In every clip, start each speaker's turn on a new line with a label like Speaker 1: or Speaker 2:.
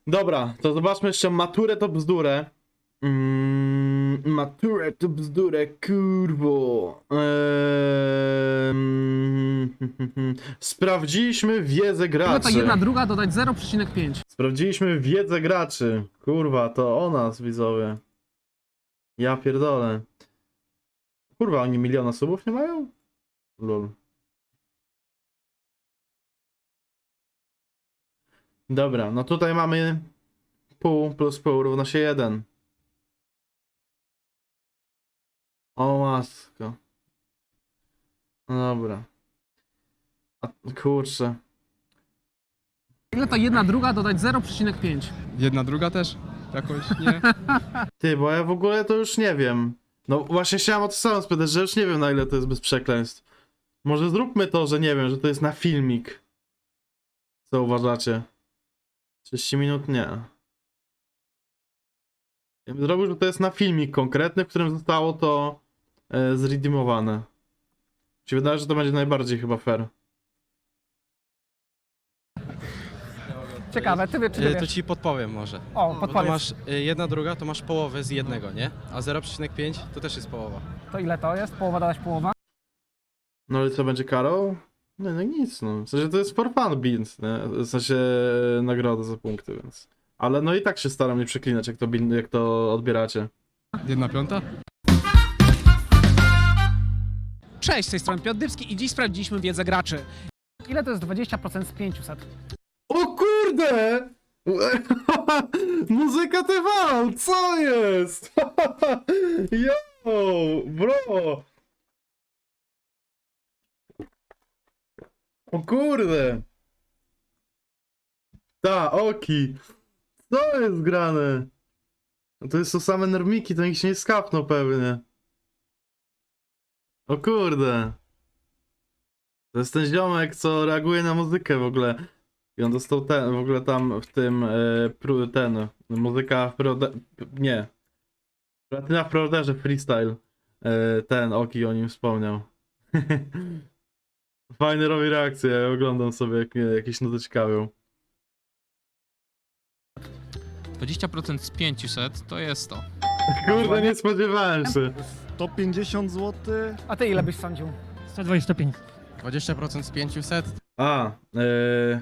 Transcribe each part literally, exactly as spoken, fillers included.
Speaker 1: Dobra, to zobaczmy jeszcze maturę to bzdurę. Mm, maturę to bzdurę, kurwo. Eee, sprawdziliśmy wiedzę
Speaker 2: Ile to
Speaker 1: graczy.
Speaker 2: jedna druga dodać zero przecinek pięć.
Speaker 1: Sprawdziliśmy wiedzę graczy. Kurwa, to o nas, widzowie. Ja pierdolę. Kurwa, oni miliona subów nie mają? Lol. Dobra, no tutaj mamy pół plus pół równa się jeden. O masko. No dobra. A, kurczę.
Speaker 2: Ile to jedna druga dodać zero przecinek pięć.
Speaker 3: Jedna druga też? Jakoś nie?
Speaker 1: Ty, bo ja w ogóle to już nie wiem. No właśnie chciałem o to samo spytać, że już nie wiem na ile to jest bez przekleństw. Może zróbmy to, że nie wiem, że to jest na filmik. Co uważacie? trzydzieści minut? Nie. Ja bym zrobił, że to jest na filmik konkretny, w którym zostało to e, zredeemowane. Mi się wydaje, że to będzie najbardziej chyba fair.
Speaker 2: Ciekawe, ty, wie, czy ty
Speaker 4: Y, To
Speaker 2: wiesz?
Speaker 4: ci podpowiem może.
Speaker 2: O,
Speaker 4: Bo to
Speaker 2: podpowiedz.
Speaker 4: masz y, jedna druga, to masz połowę z jednego, nie? A zero przecinek pięć to też jest połowa.
Speaker 2: To ile to jest? Połowa dodać połowa?
Speaker 1: No ale co będzie karą? Nie, no nic, no. W sensie to jest for fun beans, nie? W sensie e, nagroda za punkty, więc... Ale no i tak się staram nie przeklinać, jak to, bin- jak to odbieracie.
Speaker 3: Jedna piąta?
Speaker 2: Cześć, z tej strony Piotr Dybski i dziś sprawdziliśmy wiedzę graczy. Ile to jest dwadzieścia procent z pięciuset?
Speaker 1: O kurde! Muzyka T V! Co jest? Yo, bro! O kurde! Ta, oki! Co jest grane? No to jest to same normiki, to nikt się nie skapnął pewnie. O kurde! To jest ten ziomek, co reaguje na muzykę w ogóle. I on dostał ten, w ogóle tam w tym, e, pru, ten, muzyka w prode... nie. Platyna w Preorderze Freestyle. E, ten, Oki o nim wspomniał. Fajny robi reakcję, ja oglądam sobie, jak mnie jakieś nuty ciekawią.
Speaker 5: dwadzieścia procent z pięciuset to jest to.
Speaker 1: Kurde, nie spodziewałem się.
Speaker 6: sto pięćdziesiąt złotych.
Speaker 2: A ty ile byś sądził?
Speaker 7: sto dwadzieścia pięć.
Speaker 4: dwadzieścia procent z pięciuset
Speaker 1: A, e...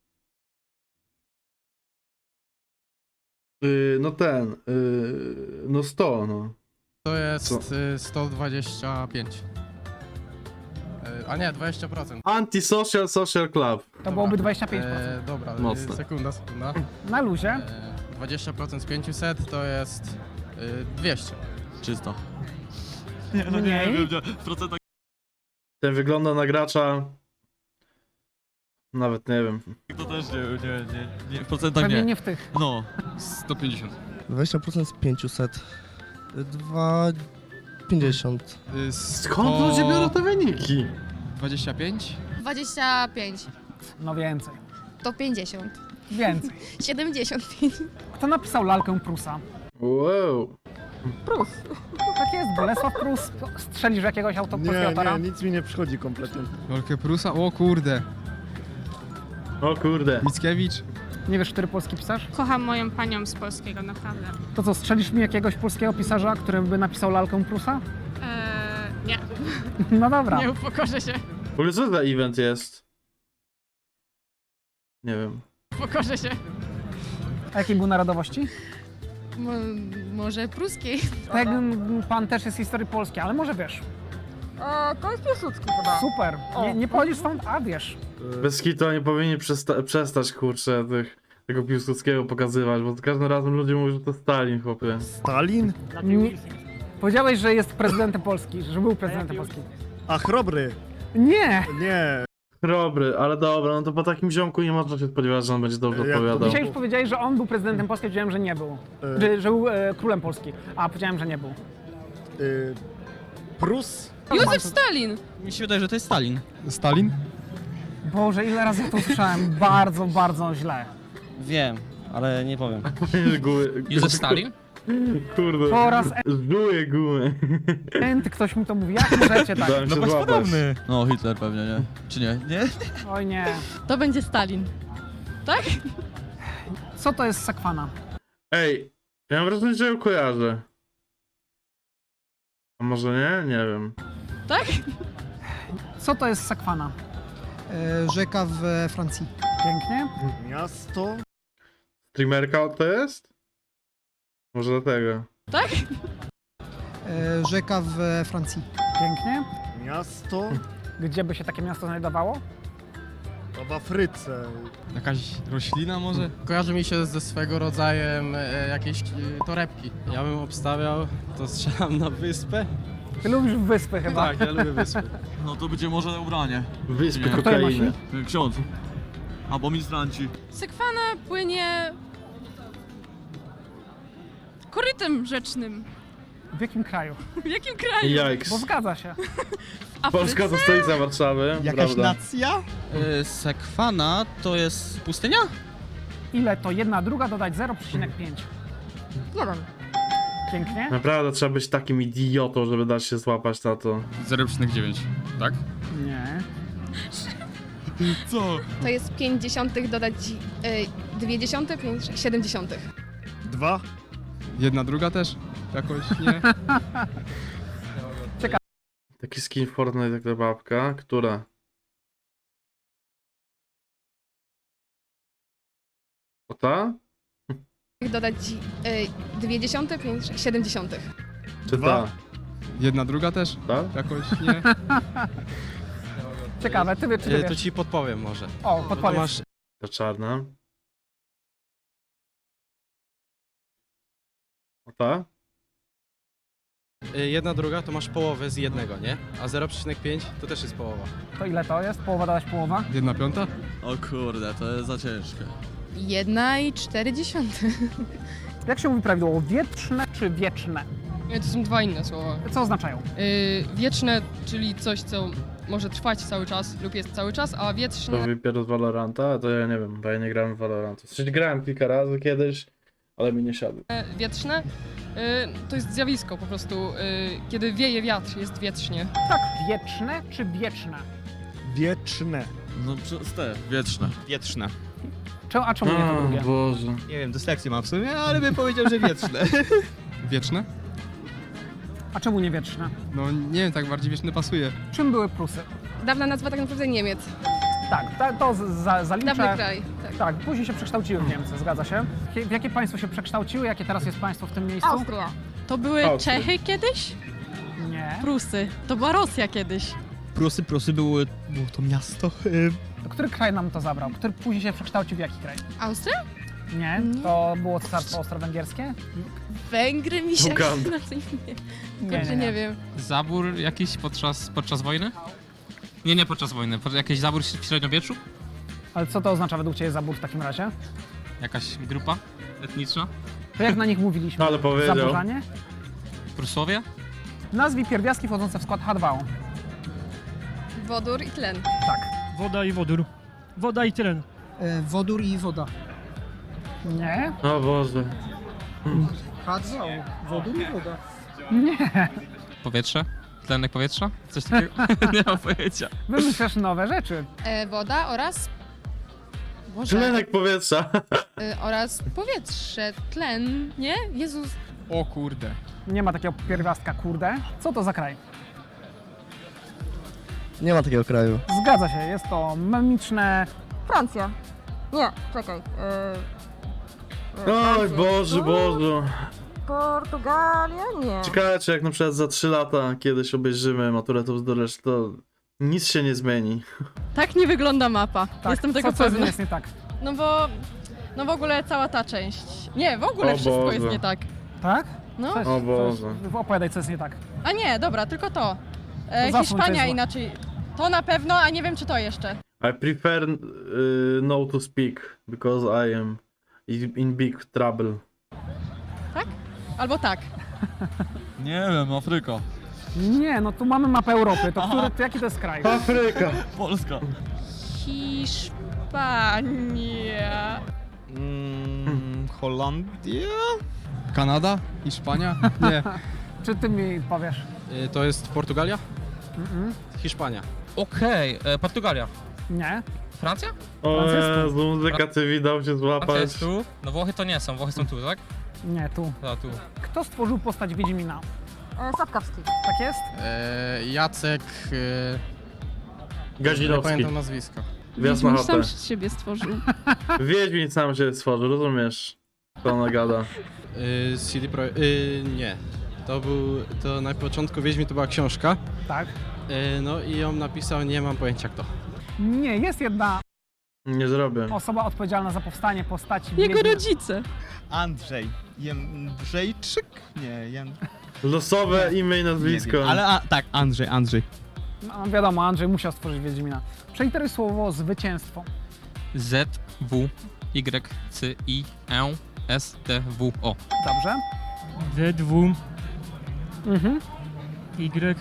Speaker 1: y, no ten, y, no sto, no.
Speaker 4: to jest
Speaker 1: Co?
Speaker 4: y, sto dwadzieścia pięć. Y, A nie, dwadzieścia procent.
Speaker 1: Antisocial Social Club.
Speaker 2: To byłoby dwadzieścia pięć procent.
Speaker 4: E, dobra, y,
Speaker 1: Mocne.
Speaker 4: sekunda, sekunda.
Speaker 2: Na luzie.
Speaker 4: E, dwadzieścia procent z pięciuset to jest y, dwieście.
Speaker 6: Czysto.
Speaker 2: Mniej.
Speaker 6: W procentach.
Speaker 1: Ten wygląda na gracza... Nawet nie wiem.
Speaker 6: To też nie, nie, nie, nie. W procentach
Speaker 2: Pewnie
Speaker 6: nie.
Speaker 2: nie w tych.
Speaker 6: No.
Speaker 3: sto pięćdziesiąt.
Speaker 8: dwadzieścia procent z pięciuset. dwa pięćdziesiąt.
Speaker 3: Y,
Speaker 1: Skąd ludzie biorą te wyniki?
Speaker 3: dwadzieścia pięć?
Speaker 9: dwadzieścia pięć,
Speaker 2: No więcej.
Speaker 9: to pięćdziesiąt,
Speaker 2: Więcej.
Speaker 9: siedemdziesiąt pięć.
Speaker 2: Kto napisał lalkę Prusa?
Speaker 1: Wow.
Speaker 2: Prus. Tak jest, Bolesław Prus. Strzelisz jakiegoś auto polskiego
Speaker 6: Nie,
Speaker 2: autora?
Speaker 6: nie, nic mi nie przychodzi kompletnie.
Speaker 3: Rolkę Prusa? O kurde.
Speaker 1: O kurde.
Speaker 3: Mickiewicz?
Speaker 2: Nie wiesz, który polski pisarz?
Speaker 10: Kocham moją panią z polskiego, naprawdę.
Speaker 2: To co, strzelisz mi jakiegoś polskiego pisarza, który by napisał lalkę Prusa?
Speaker 10: Eee, nie,
Speaker 2: No dobra.
Speaker 10: nie upokorzę się,
Speaker 1: W ogóle co za event jest? Nie wiem.
Speaker 10: upokorzę się.
Speaker 2: A jakiej był narodowości?
Speaker 9: Mo może pruskiej?
Speaker 2: Ten pan też jest z historii polskiej, ale może wiesz.
Speaker 10: O, to jest Piłsudski chyba.
Speaker 2: Super. Nie, nie pochodzisz stąd, a wiesz.
Speaker 1: Bez kitu oni powinni przesta- przestać, kurczę, tych, tego Piłsudskiego pokazywać, bo za każdym razem ludzie mówią, że to Stalin, chłopie.
Speaker 6: Stalin?
Speaker 2: Nie, powiedziałeś, że jest prezydentem Polski, że był prezydentem Polski.
Speaker 6: A Chrobry?
Speaker 2: Nie!
Speaker 6: Nie.
Speaker 1: Chrobry, ale dobra, no to po takim ziomku nie można się spodziewać, że on będzie dobrze
Speaker 6: Jak to
Speaker 1: odpowiadał.
Speaker 2: Dzisiaj już powiedziałeś, że on był prezydentem Polski, powiedziałem, że nie był.
Speaker 6: E.
Speaker 2: Że, że był e, królem Polski, a powiedziałem, że nie był.
Speaker 6: Y, Prus?
Speaker 9: Józef Stalin!
Speaker 7: Mi się wydaje, że to jest Stalin.
Speaker 3: Stalin?
Speaker 2: Boże, ile razy ja to usłyszałem. Bardzo, bardzo źle.
Speaker 7: Wiem, ale nie powiem.
Speaker 1: Gumy,
Speaker 5: Józef Stalin?
Speaker 1: Kurde.
Speaker 2: Po raz
Speaker 1: Żuję gumy.
Speaker 2: enty ktoś mi to mówi. Jak możecie tak?
Speaker 1: Dałem się złapać.
Speaker 7: No, Hitler pewnie, nie? Czy nie? Nie?
Speaker 2: Oj nie.
Speaker 9: To będzie Stalin. Tak?
Speaker 2: Co to jest sakwana?
Speaker 1: Ej, ja mam wrażenie, że ją kojarzę. A może nie? Nie wiem.
Speaker 10: Tak?
Speaker 2: Co to jest sakwana?
Speaker 8: Rzeka w Francji.
Speaker 2: Pięknie.
Speaker 6: Miasto.
Speaker 1: Streamerka to jest? Może dlatego.
Speaker 10: Tak?
Speaker 8: Rzeka w Francji.
Speaker 2: Pięknie.
Speaker 6: Miasto.
Speaker 2: Gdzie by się takie miasto znajdowało?
Speaker 6: To w Afryce.
Speaker 3: Jakaś roślina może?
Speaker 4: Kojarzy mi się ze swego rodzajem e, jakieś e, torebki.
Speaker 7: Ja bym obstawiał, to strzelam na wyspę.
Speaker 2: Ty lubisz wyspy chyba.
Speaker 7: Tak, ja lubię wyspy.
Speaker 6: No to będzie może ubranie.
Speaker 1: Wyspy
Speaker 6: Nie.
Speaker 2: Kto je
Speaker 1: kokainy.
Speaker 2: nosi?
Speaker 6: Ksiądz. Albo ministranci.
Speaker 9: Sekwana płynie korytem rzecznym.
Speaker 2: W jakim kraju?
Speaker 9: W jakim kraju?
Speaker 1: Jajks.
Speaker 2: Bo zgadza się.
Speaker 1: Polska to stolica Warszawy.
Speaker 7: Jakaś
Speaker 1: prawda.
Speaker 7: nacja? Y, Sekwana to jest pustynia?
Speaker 2: Ile to jedna druga dodać zero przecinek pięć?
Speaker 10: Jeden.
Speaker 2: Pięknie.
Speaker 1: Naprawdę trzeba być takim idiotą, żeby dać się złapać na to.
Speaker 3: zero przecinek dziewięć, tak?
Speaker 2: Nie.
Speaker 3: Co?
Speaker 9: To jest pięć dziesiątych dodać y, dwie dziesiąte, pięć, siedem dziesiątych.
Speaker 6: Dwa.
Speaker 3: Jedna druga też? Jakoś nie?
Speaker 1: Taki skin w Fortnite jak ta babka. Która? O ta?
Speaker 9: Dodać y, dwie dziesiąte, pięć, siedem dziesiątych.
Speaker 1: Czy
Speaker 6: Dwa.
Speaker 1: ta?
Speaker 3: Jedna druga też?
Speaker 1: Ta?
Speaker 3: Jakoś nie?
Speaker 2: Ciekawe, ty, wie- czy ty
Speaker 7: Y, to
Speaker 2: wiesz?
Speaker 7: ci podpowiem może.
Speaker 2: O,
Speaker 7: To
Speaker 2: podpowiedz.
Speaker 7: masz
Speaker 1: Ta czarna. O ta?
Speaker 7: y, jedna druga, to masz połowę z jednego, nie? A zero przecinek pięć to też jest połowa.
Speaker 2: To ile to jest? Połowa dodać połowa?
Speaker 3: Jedna piąta?
Speaker 6: O kurde, to jest za ciężkie.
Speaker 9: Jedna i cztery dziesiąte.
Speaker 2: Jak się mówi prawidłowo? Wietrzne czy wieczne?
Speaker 10: To są dwa inne słowa.
Speaker 2: Co oznaczają?
Speaker 10: Yy, wieczne, czyli coś, co może trwać cały czas lub jest cały czas, a
Speaker 1: To
Speaker 10: wietrzne
Speaker 1: wypiero z Valoranta? To ja nie wiem, bo ja nie grałem w Valoranta. W sensie grałem kilka razy kiedyś, ale mi nie siadł.
Speaker 10: wietrzne yy, to jest zjawisko po prostu. Yy, kiedy wieje wiatr, jest wietrznie.
Speaker 2: Tak, wieczne czy wieczne?
Speaker 6: Wieczne. No przez te. Wieczne.
Speaker 7: Wietrzne.
Speaker 2: Czemu, a czemu nie to
Speaker 1: O
Speaker 2: drugie?
Speaker 1: Boże.
Speaker 7: Nie wiem, dyslekcję mam w sumie, ale bym powiedział, że wietrzne.
Speaker 3: Wieczne?
Speaker 2: A czemu nie wieczne?
Speaker 3: No nie wiem, tak bardziej wieczne pasuje.
Speaker 2: Czym były Prusy?
Speaker 9: Dawna nazwa tak naprawdę Niemiec.
Speaker 2: Tak, ta, to z- za, zaliczę.
Speaker 9: Dawny kraj. Tak.
Speaker 2: Tak, później się przekształciły w Niemcy, zgadza się. Jakie- W jakie państwo się przekształciły? Jakie teraz jest państwo w tym miejscu?
Speaker 10: Austria.
Speaker 11: To były
Speaker 1: Austria.
Speaker 11: Czechy kiedyś?
Speaker 2: Nie.
Speaker 11: Prusy. To była Rosja kiedyś.
Speaker 7: Prusy, Prusy były, było to miasto. y,
Speaker 2: To który kraj nam to zabrał? Który później się przekształcił w jaki kraj?
Speaker 9: Austria?
Speaker 2: Nie,
Speaker 11: Nie.
Speaker 2: to było Cesarstwo Austro-Węgierskie?
Speaker 9: Węgry mi się
Speaker 1: Uganda.
Speaker 9: na co imię.
Speaker 2: Nie,
Speaker 9: Kurczę,
Speaker 2: nie,
Speaker 9: nie
Speaker 2: nie.
Speaker 9: wiem.
Speaker 5: Zabór jakiś podczas, podczas wojny? Nie, nie podczas wojny. Po- Jakiś zabór w średniowieczu?
Speaker 2: Ale co to oznacza według Ciebie zabór w takim razie?
Speaker 5: Jakaś grupa etniczna?
Speaker 2: To jak na nich mówiliśmy?
Speaker 1: Ale powiedział.
Speaker 2: Zaburzanie?
Speaker 5: Prusłowie?
Speaker 2: Nazwij pierwiastki wchodzące w skład H dwa O.
Speaker 9: Wodór i tlen.
Speaker 2: Tak.
Speaker 8: Woda i wodór. Woda i tlen.
Speaker 2: wodór i woda. Nie?
Speaker 1: O Boże.
Speaker 2: H dwa O. Wodór i woda.
Speaker 5: Powietrze? Tlenek powietrza? Coś takiego? nie mam pojęcia.
Speaker 2: Wymyślasz nowe rzeczy.
Speaker 9: E, woda oraz... Boże.
Speaker 1: Tlenek powietrza.
Speaker 9: E, oraz powietrze. Tlen. Nie? Jezus.
Speaker 3: O kurde.
Speaker 2: Nie ma takiego pierwiastka, kurde. Co to za kraj?
Speaker 8: Nie ma takiego kraju.
Speaker 2: Zgadza się, jest to memiczne...
Speaker 10: Francja. Nie, czekaj. Yy,
Speaker 1: Oj Boże, Boże.
Speaker 10: Portugalia? Nie.
Speaker 1: Czekajcie, jak na przykład za trzy lata kiedyś obejrzymy maturę to bzduresz, to nic się nie zmieni.
Speaker 11: Tak nie wygląda mapa.
Speaker 2: Tak,
Speaker 11: Jestem tego
Speaker 2: co, co z nim
Speaker 11: pewna.
Speaker 2: jest nie tak?
Speaker 11: No bo... No w ogóle cała ta część. Nie, w ogóle
Speaker 1: O
Speaker 11: wszystko
Speaker 1: Boże.
Speaker 11: jest nie tak.
Speaker 2: Tak?
Speaker 11: No.
Speaker 2: Coś,
Speaker 1: O Boże.
Speaker 2: Coś, opowiadaj, co jest nie tak.
Speaker 11: A nie, dobra, tylko to. E,
Speaker 2: To zasłoń, co
Speaker 11: Hiszpania
Speaker 2: jest złe.
Speaker 11: inaczej. To na pewno, a nie wiem czy to jeszcze.
Speaker 1: I prefer uh, no to speak, because I am in in big trouble.
Speaker 11: Albo tak.
Speaker 6: Nie wiem, Afryka.
Speaker 2: Nie, no tu mamy mapę Europy, to, który, to jaki to jest kraj?
Speaker 1: Afryka!
Speaker 6: Polska.
Speaker 11: Hiszpania.
Speaker 7: Mm, Holandia?
Speaker 3: Kanada? Hiszpania? Nie.
Speaker 2: Czy ty mi powiesz?
Speaker 7: Y, to jest Portugalia?
Speaker 2: Mm-mm.
Speaker 7: Hiszpania.
Speaker 5: Okej, e, Portugalia.
Speaker 2: Nie.
Speaker 5: Francja?
Speaker 1: O
Speaker 2: Francja jest tu.
Speaker 1: Jezu, muzyka ty dał się
Speaker 5: Francja
Speaker 1: złapać.
Speaker 5: jest tu. No Włochy to nie są, Włochy są tu, tak?
Speaker 2: Nie, tu.
Speaker 5: A, tu.
Speaker 2: Kto stworzył postać Wiedźmina?
Speaker 11: E, Sapkowski.
Speaker 2: Tak jest?
Speaker 4: E, Jacek... E, nie
Speaker 1: Gazilowski.
Speaker 4: pamiętam nazwiska.
Speaker 1: Wjazd na
Speaker 10: Wiedźmin
Speaker 1: chatę.
Speaker 10: sam siebie stworzył.
Speaker 1: Wiedźmin sam się stworzył, rozumiesz? To ona gada.
Speaker 7: Y, C D Pro... Y, nie. To był... To na początku Wiedźmin to była książka.
Speaker 2: Tak.
Speaker 7: Y, no i ją napisał, nie mam pojęcia kto.
Speaker 2: Nie, jest jedna
Speaker 1: Nie zrobię.
Speaker 2: osoba odpowiedzialna za powstanie postaci
Speaker 10: Jego
Speaker 2: Wiedźmina.
Speaker 10: rodzice.
Speaker 6: Andrzej. Jędrzejczyk? Nie, Jan...
Speaker 1: Losowe imię i nazwisko.
Speaker 6: Ale a, tak, Andrzej, Andrzej.
Speaker 2: No, wiadomo, Andrzej musiał stworzyć Wiedźmina. Przeliteruj słowo zwycięstwo.
Speaker 5: Z, W, Y, C, I, E, S, T, W, O.
Speaker 2: Dobrze.
Speaker 8: D, W,
Speaker 2: Mhm.
Speaker 8: Y,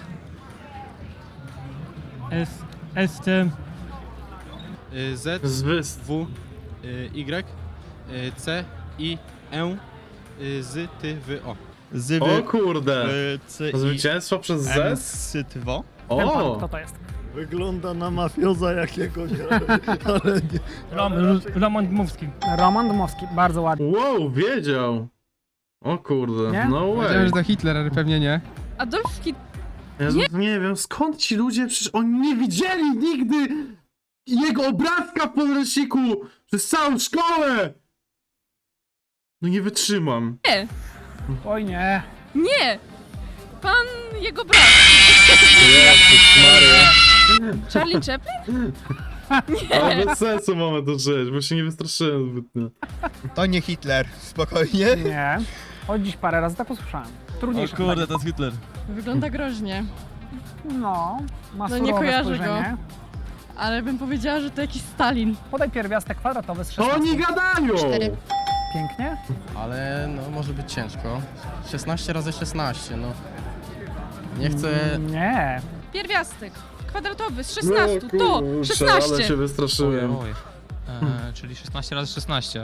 Speaker 8: S, S, T,
Speaker 7: Y, Z,
Speaker 1: Zwyst.
Speaker 7: W, y, Y, y, C, I, E, y, Z, Ty, W, O.
Speaker 6: Zywy.
Speaker 1: O kurde.
Speaker 6: C, I,
Speaker 1: Zwycięstwo przez
Speaker 6: M,
Speaker 1: Z?
Speaker 6: Sytwo.
Speaker 2: Ten pan,
Speaker 1: O!
Speaker 2: kto to jest?
Speaker 12: Wygląda na mafioza jakiegoś, ale, ale nie.
Speaker 8: Rom, Roman Dmowski.
Speaker 2: Roman Dmowski, bardzo ładnie.
Speaker 1: Wow, wiedział. O kurde,
Speaker 2: Nie?
Speaker 1: no
Speaker 3: Wiedziałem,
Speaker 1: way.
Speaker 3: że to Hitler, ale pewnie nie.
Speaker 10: Adolf Hitler.
Speaker 1: Jezu, nie wiem, skąd ci ludzie, przecież oni nie widzieli nigdy jego obrazka w podręczniku przez całą szkołę. No nie wytrzymam.
Speaker 2: Oj nie.
Speaker 10: Nie! Pan jego brat.
Speaker 1: Jezus Maria.
Speaker 10: Charlie Chaplin?
Speaker 1: Ale bez sensu mamy to żyć, bo się nie wystraszyłem zbytnio.
Speaker 6: To nie Hitler, spokojnie.
Speaker 2: Nie. Choć dziś parę razy tak usłyszałem. Trudniejsze pytanie.
Speaker 6: to jest Hitler.
Speaker 11: Wygląda groźnie,
Speaker 2: No, ma
Speaker 11: No, nie
Speaker 2: surowe
Speaker 11: kojarzę
Speaker 2: spojrzenie.
Speaker 11: ale bym powiedziała, że to jakiś Stalin.
Speaker 2: Podaj pierwiastek kwadratowy z
Speaker 1: To
Speaker 2: szesnastką.
Speaker 1: oni gadają!
Speaker 9: Cztery.
Speaker 2: Pięknie.
Speaker 4: Ale no może być ciężko. szesnaście razy szesnaście, no. Nie chcę...
Speaker 2: Nie.
Speaker 10: Pierwiastek. Kwadratowy z
Speaker 1: No
Speaker 10: szesnastu. To!
Speaker 1: kurczę, ale się
Speaker 10: szesnaście!
Speaker 1: wystraszyłem.
Speaker 5: Oj, oj. E, czyli szesnaście razy szesnaście.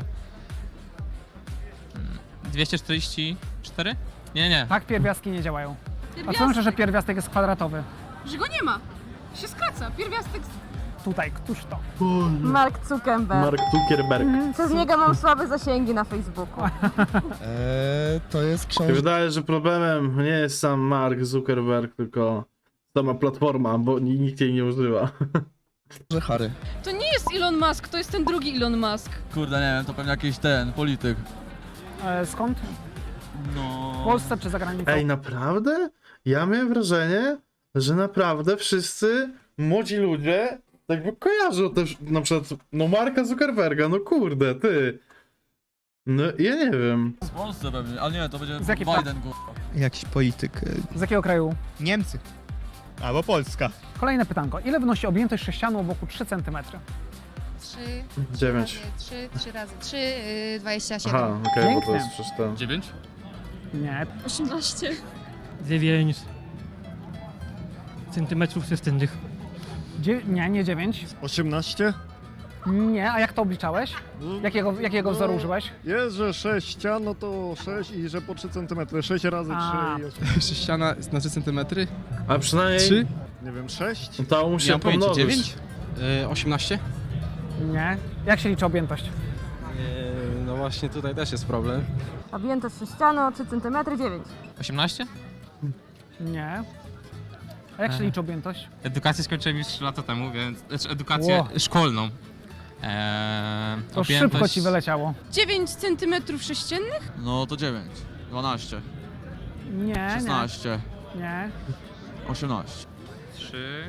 Speaker 5: Mm, dwieście czterdzieści cztery? Nie, nie.
Speaker 2: Tak pierwiastki nie działają. A co
Speaker 10: Pierwiastek.
Speaker 2: znaczy, że pierwiastek jest kwadratowy?
Speaker 10: Że go nie ma. Się skraca. Pierwiastek z...
Speaker 2: Tutaj, któż to?
Speaker 11: Mark Zuckerberg.
Speaker 1: Mark Zuckerberg.
Speaker 11: Przez niego mam słabe zasięgi na Facebooku.
Speaker 12: Eee, to jest
Speaker 1: Mi się
Speaker 12: książka.
Speaker 1: wydaje, że problemem nie jest sam Mark Zuckerberg, tylko sama platforma, bo ni- nikt jej nie używa.
Speaker 12: Harry.
Speaker 10: To nie jest Elon Musk, to jest ten drugi Elon Musk.
Speaker 6: Kurde, nie wiem, to pewnie jakiś ten, polityk.
Speaker 2: E, skąd?
Speaker 6: No...
Speaker 2: W Polsce czy za granicą?
Speaker 1: Ej, naprawdę? Ja miałem wrażenie, że naprawdę wszyscy młodzi ludzie jakby kojarzą też na przykład no Marka Zuckerberga, no kurde, ty. No ja nie wiem.
Speaker 6: W Polsce pewnie, ale nie, to będzie
Speaker 2: Z jakiej
Speaker 6: Biden, kurwa.
Speaker 12: Jakiś polityk.
Speaker 2: Z jakiego kraju?
Speaker 12: Niemcy. Albo Polska.
Speaker 2: Kolejne pytanko. Ile wynosi objętość sześcianu o boku trzy centymetry?
Speaker 9: Trzy.
Speaker 1: Dziewięć.
Speaker 9: Trzy, trzy razy trzy, yy, dwadzieścia siedem.
Speaker 1: Aha, okej, bo to
Speaker 2: Pięknie.
Speaker 1: jest przecież to.
Speaker 5: dziewięć?
Speaker 2: Nie.
Speaker 10: osiemnaście.
Speaker 8: dziewięć centymetrów sześciennych.
Speaker 2: Dzie- nie, nie dziewięć.
Speaker 12: osiemnaście?
Speaker 2: Nie, a jak to obliczałeś? Jakiego, jakiego
Speaker 12: No,
Speaker 2: wzoru użyłeś?
Speaker 12: Jest, że sześć no to sześć i że po trzy centymetry. sześć razy
Speaker 2: A.
Speaker 12: trzy.
Speaker 3: Sześciana na trzy centymetry?
Speaker 1: A przynajmniej
Speaker 3: Trzy?
Speaker 12: Nie wiem, sześć?
Speaker 1: to mu
Speaker 4: Nie
Speaker 1: się
Speaker 4: mam pojęcia,
Speaker 1: pomnożyć.
Speaker 4: dziewięć? Y, osiemnaście?
Speaker 2: Nie. Jak się liczy objętość?
Speaker 7: Yy, no właśnie tutaj też jest problem.
Speaker 11: Objętość sześcianu o trzy centymetry, dziewięć.
Speaker 5: osiemnaście?
Speaker 2: Nie. A jak się
Speaker 5: Aha.
Speaker 2: liczy objętość?
Speaker 5: Edukację skończyłem już trzy lata temu, więc... Znaczy edukację
Speaker 2: Ło.
Speaker 5: szkolną. Eee,
Speaker 2: To szybko ci wyleciało.
Speaker 10: dziewięć centymetrów sześciennych?
Speaker 6: No to dziewięć, dwanaście,
Speaker 2: Nie,
Speaker 6: szesnaście,
Speaker 2: nie. Nie.
Speaker 6: osiemnaście.
Speaker 5: trzy...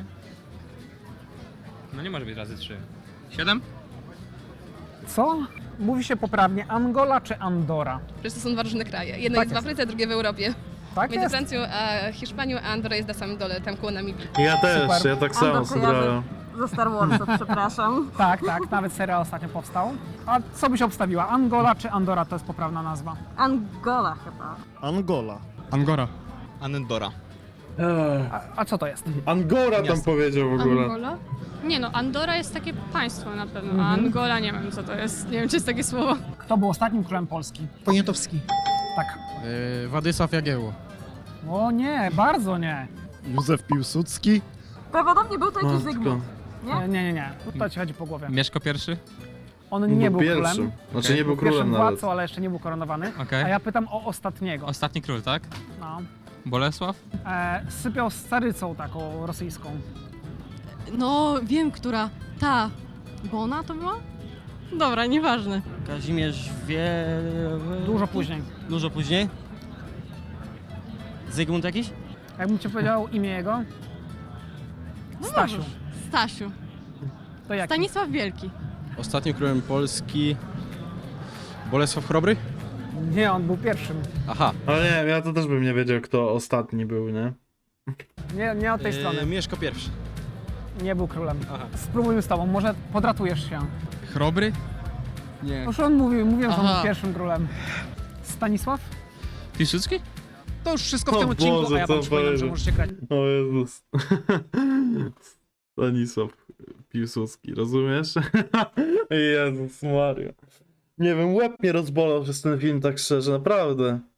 Speaker 5: No nie może być razy trzy. siedem?
Speaker 2: Co? Mówi się poprawnie Angola czy Andora?
Speaker 9: Przecież to są dwa różne kraje. Jedno
Speaker 2: Tak
Speaker 9: jest w
Speaker 2: jest.
Speaker 9: Afryce, drugie w Europie.
Speaker 2: Tak
Speaker 9: Między
Speaker 2: jest.
Speaker 9: Francją a Hiszpanią, a Andora jest na samym dole, tam koło Namibii.
Speaker 1: Ja też,
Speaker 2: Super.
Speaker 1: ja tak samo
Speaker 11: Andor
Speaker 1: sobie
Speaker 11: kojarzę.
Speaker 1: brałem.
Speaker 11: Ze Star Warsów, przepraszam.
Speaker 2: Tak, tak. Nawet serial ostatnio powstał. A co byś obstawiła? Angola czy Andora to jest poprawna nazwa?
Speaker 11: Angola chyba.
Speaker 12: Angola.
Speaker 3: Angora.
Speaker 6: Andora.
Speaker 2: A, a co to jest?
Speaker 1: Angora tam powiedział w ogóle.
Speaker 10: Angola? Nie no, Andora jest takie państwo na pewno,
Speaker 2: Mhm.
Speaker 10: a Angola nie wiem co to jest. Nie wiem czy jest takie słowo.
Speaker 2: Kto był ostatnim królem Polski?
Speaker 8: Poniatowski.
Speaker 2: Tak.
Speaker 4: Y, Władysław Jagiełło.
Speaker 2: O nie, bardzo nie.
Speaker 12: Józef Piłsudski.
Speaker 11: Prawdopodobnie był to jakiś
Speaker 1: Matko.
Speaker 11: Zygmunt.
Speaker 2: Nie, nie, nie. nie. To ci chodzi po głowie.
Speaker 5: Mieszko pierwszy?
Speaker 2: On nie był
Speaker 1: pierwszym.
Speaker 2: królem.
Speaker 1: Znaczy
Speaker 5: Okej.
Speaker 1: nie był
Speaker 2: Był pierwszym
Speaker 1: królem nawet.
Speaker 2: władcą, ale jeszcze nie był koronowany.
Speaker 5: Okej.
Speaker 2: A ja pytam o ostatniego.
Speaker 5: Ostatni król, tak?
Speaker 2: No.
Speaker 5: Bolesław?
Speaker 2: E, sypiał z carycą taką rosyjską.
Speaker 11: No, wiem, która. Ta. Bona to była? Dobra, nieważne.
Speaker 7: Kazimierz wie...
Speaker 2: Dużo później.
Speaker 7: Dużo później? Zygmunt jakiś?
Speaker 2: Jakbym ci powiedział imię jego?
Speaker 11: No
Speaker 2: Stasiu.
Speaker 11: dobrze. Stasiu.
Speaker 2: To jaki?
Speaker 11: Stanisław Wielki.
Speaker 7: Ostatnim królem Polski... Bolesław Chrobry?
Speaker 2: Nie, on był pierwszym.
Speaker 7: Aha.
Speaker 1: Ale nie wiem, ja to też bym nie wiedział, kto ostatni był, nie?
Speaker 2: Nie, nie od tej
Speaker 7: Yy,
Speaker 2: strony.
Speaker 7: Mieszko I.
Speaker 2: Nie był królem.
Speaker 7: Aha.
Speaker 2: Spróbujmy z tobą, może podratujesz się.
Speaker 3: Chrobry? Nie.
Speaker 2: Już on mówił, mówiłem, że on
Speaker 11: Aha.
Speaker 2: był pierwszym królem. Stanisław?
Speaker 5: Piłsudski?
Speaker 2: To już wszystko w
Speaker 1: O
Speaker 2: tym odcinku,
Speaker 1: Boże,
Speaker 2: a ja
Speaker 1: co
Speaker 2: wam przypominam, że
Speaker 1: powiedział.
Speaker 2: możecie grać.
Speaker 1: O Jezus. Stanisław Piłsudski, rozumiesz? Jezus Maria. Nie wiem, łeb mnie rozbolał przez ten film, tak szczerze, naprawdę.